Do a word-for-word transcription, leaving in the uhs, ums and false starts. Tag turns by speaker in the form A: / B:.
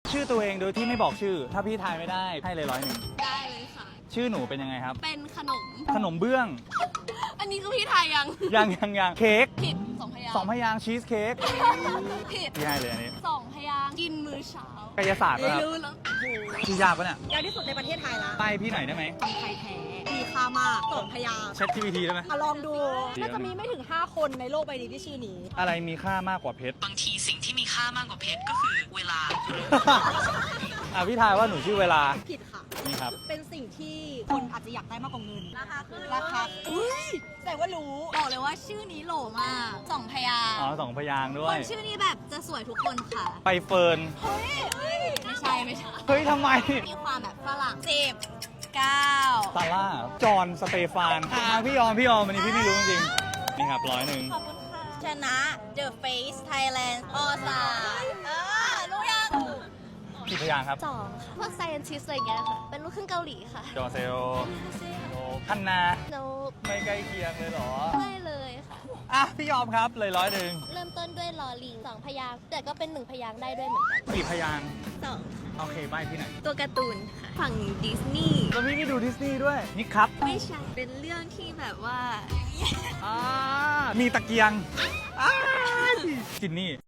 A: ชื่อตัวเองโดยที่ไม่บอกชื่อ ถ้าพี่ทายไม่ได้ให้เลยร้อยหนึ่ง
B: ได้เลยค่ะ
A: ชื่อหนูเป็นยังไงครับ
B: เป็นขนม
A: ขนมเบื้อง
B: อันนี้คือพี่ไทยยัง
A: ยังยังยังเค้ก
B: ผิดสองพยางค์
A: สองพยางค์ชีสเค้ก
B: ผิด
A: พี่ให้เลยอันนี้
B: สองพยางค์กินมื้อเช้าก
A: ายศาสตร์
B: ไม่
A: ป่ะครับ
B: รู้แล้วโอ้โห
A: ชื่อยากปะเนี่ย
C: ยากที่สุดในประเทศไทยละ
A: ไปพี่หน่อยได้ไหม
C: คนไทยแท้มีค่ามากสองพยางค์
A: Chat จี พี ที ได้ไหม
C: อ่ะลองดู
A: เดี๋ยว
C: น่าจะมีไม่ถึง ห้า คนในโลกใบนี้ที่ชื่อนี้
A: อะไรมีค่ามากกว่าเพชร
D: บางทีสิ่งที่มีค่ามากกว่าเพชรก็คือเวลา
A: อ่ะพี่ทายว่าหนูชื่อเวลา
C: ผิดค่ะ
A: นี่ครับ
C: เป็นสิ่งที่คุณอาจจะอยากได้มากกว่าเงิน ราคาคือราคาอุ้ยแต่ว่ารู้
B: บอกเลยว่าชื่อนี้โหลมากสองพยางค์
A: อ๋อสองพยางค์ด้
B: ค
A: วย
B: นชื่อนี้แบบจะสวยทุกคนค่ะ
A: ไปเฟิร์น
B: เฮ้ยเฮ้ยไม่ใช่ไม่ใช่
A: เฮ้ยทำไม
B: มีความแบบฝรั่งสิบเก้า
A: ซาร่า จอห์นสเตฟานอ่าพี่ยอม พี่ยอมวันนี้พี่ไม่รู้จริงๆนี่ครับร้อยหนึ่ง
B: ขอบคุณค่ะ ชนะ The Face Thailand ออสาเออรู้ยัง
A: กี่พยางค์ครับ
E: สองค่ะพวก scientist อะไรอย่างเงี้ยค่ะ เป็นลูกครึ่งเกาหลีค่ะ
A: จอเซลโนคันนา
E: โน
A: ไม่ใกล้เคียงเลยเหรอ
E: ไม่เลยค่ะ
A: อ่ะ พี่ยอมครับเลยร้อยหนึ่ง
E: เริ่มต้นด้วยลอลิงสองพยางค์แต่ก็เป็นหนึ่งพยางค์ได้ด้วยเหมือนกัน
A: กี่พยางค์
B: สอง
A: โอเคใบพี่ไหนอย
B: ตัวการ์ตูนค่ะ ฝั่งดิสนีย์
A: แล้วพี่นี่ดูดิสนีย์ด้วย นี่ครับ
B: ไม่ใช่ เป็นเรื่องที่แบบว่า
A: อ่ามีตะเกียงอ้ายจินนี่